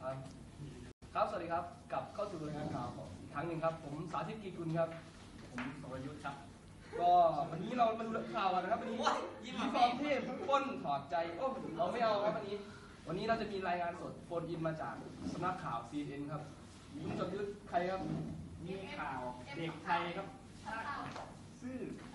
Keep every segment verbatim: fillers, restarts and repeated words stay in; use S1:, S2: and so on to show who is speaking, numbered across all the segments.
S1: ครับครับสวัสดีครับกลับเข้าสู่รายการข่าวอีกครั้งหนึ่งครับผมสาธิตกีกุลครับผมสรยุทธ์ครับก็วันนี้เรามาดูข่าวกันนะครับวันนี้ยิ้มฟอมเทพป้นถอดใจโอ้เราไม่เอาครับวันนี้วันนี้เราจะมีรายงานสดโฟนอินมาจากสำนักข่าว ซี เอ็น เอ็น ครับคุณสรยุทธ์ใครครับมีข่าวเด็กไทยครับซื่อ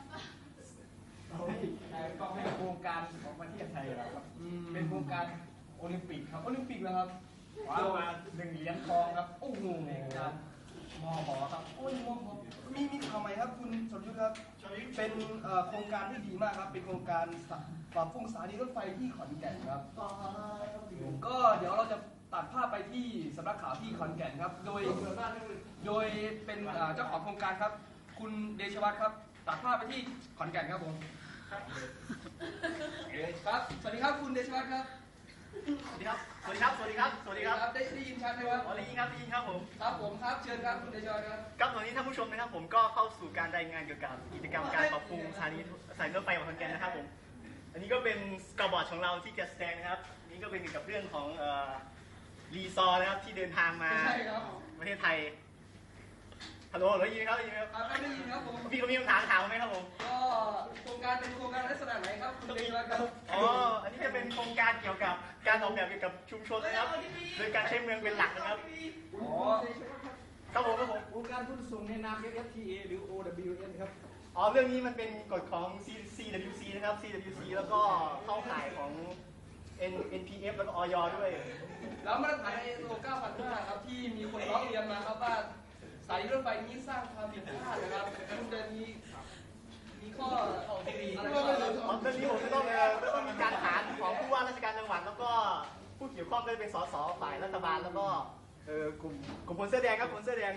S1: ก็เป็นโครงการของประเทศไทยแล้วครับเป็นโครงการโอลิมปิกครับโอลิมปิกแล้วครับว้าวมาหนึ่งเหรียญทองครับโอ้โหการมอหอครับโอ้ยมอหอมีมีข่าวใหม่ครับคุณสรยุทธ์ครับเป็นโครงการที่ดีมากครับเป็นโครงการปรับปรุงสถานีรถไฟที่ขอนแก่นครับก็เดี๋ยวเราจะตัดภาพไปที่สำนักข่าวที่ขอนแก่นครับโดยโดยเป็นเจ้าของโครงการครับคุณเดชวัฒน์ครับตัดภาพไปที่ขอนแก่นครับผมครับสวัสดีครับคุณเดชวัฒน์ครับ
S2: สวัสดีครับสวัสดีครับสวัสดีครับสวัสดีครับ
S1: ได้ได้ยินชัดไหมครับ
S2: ได้ยินครับได้ยินครับผม
S1: ครับผมครับเชิญครับคุณเดชวัฒน์ครับ
S2: ครับตอนนี้ท่านผู้ชมนะครับผมก็เข้าสู่การรายงานเกี่ยวกับกิจกรรมการปรับปรุงสถานีสายรถไฟของขอนแก่นนะครับผมอันนี้ก็เป็นสกอร์บอร์ดของเราที่จะแสดงนะครับนี่ก็เป็นเกี่ยวกับเรื่องของรีซอร์นะครับที่เดินทางมาประเทศไทยฮัลโหลได้ยินครับได้ยินครับ
S1: ได้ยินครับผม
S2: พี่เขามีคำถามถามไหมครับผม
S1: ก็โครงการเป็นโครงการลักษณะไหนครับคุณเดชวัฒน์ครับ
S2: อ๋ออันนี้จะเป็นโครงการเกี่ยวกับการออกแบบเกี่ยวกับชุมชนนะครับโดยการใช้เมืองเป็นหลักนะครับ
S1: อ๋อ
S2: ครับผมครับผม
S3: โครงการทุนส่งในนาม เอฟ เอฟ ที เอ หรือ โอ ดับเบิลยู เอ็น ครับ
S2: อ๋อเรื่องนี้มันเป็นกฎของ ซี ดับเบิลยู ซี นะครับ ซี ดับเบิลยู ซี แล้วก็เข้าข่ายของ เอ็น เอ็น พี เอฟ แล้วก็ อย ด้วย
S1: แล้วมาตรฐาน ไอ เอส โอ เก้าพันห้าครับที่มีคนร้องเรียนมาครับว่าสายรถไฟนี้สร้างความผิดพลาดนะครับคุณเดินมีมีข้ออะไรบ้างครับ
S2: เรื่องนี้ผมจะต้องจะต้องมีการหารของผู้ว่าราชการจังหวัดแล้วก็ผู้เกี่ยวข้องก็จะเป็นสสฝ่ายรัฐบาลแล้วก็เออกลุ่มกลุ่มคนเสื้อแดงครับคนเสื้อแดง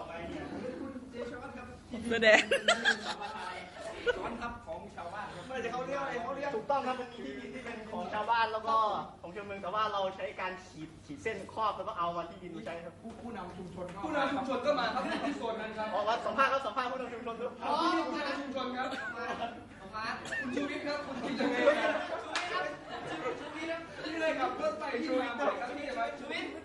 S3: เสื้อแดง
S1: ซ้อนทับของชาวบ้านไม่ใช่เขาเรียกอะไรเขาเรียก
S2: ถูกต้องครับมันมีที่ดินที่เป็นของชาวบ้านแล้วก็ของชาวเมืองแต่ว่าเราใช้การขีดขีดเส้นครอบแล้วก็เอามาที่ดินใช้ครับ
S3: ผู้ผู้นำชุมชน
S1: ผู้นำชุมชนก็มาครับที่โซนนั้นครับ
S2: อ๋อสัมภาษณ์ครับสัมภาษณ์ผู้นำชุมชนด้วย
S1: อ๋อผู้นำชุมชนครับมาคุณชูวิทย์ครับคุณคิดยังไงครับชูวิทย์ครับชูวิทย์ครับที่เลยกับรถไฟที่มาบ่อยครับที่ไหนชูวิทย์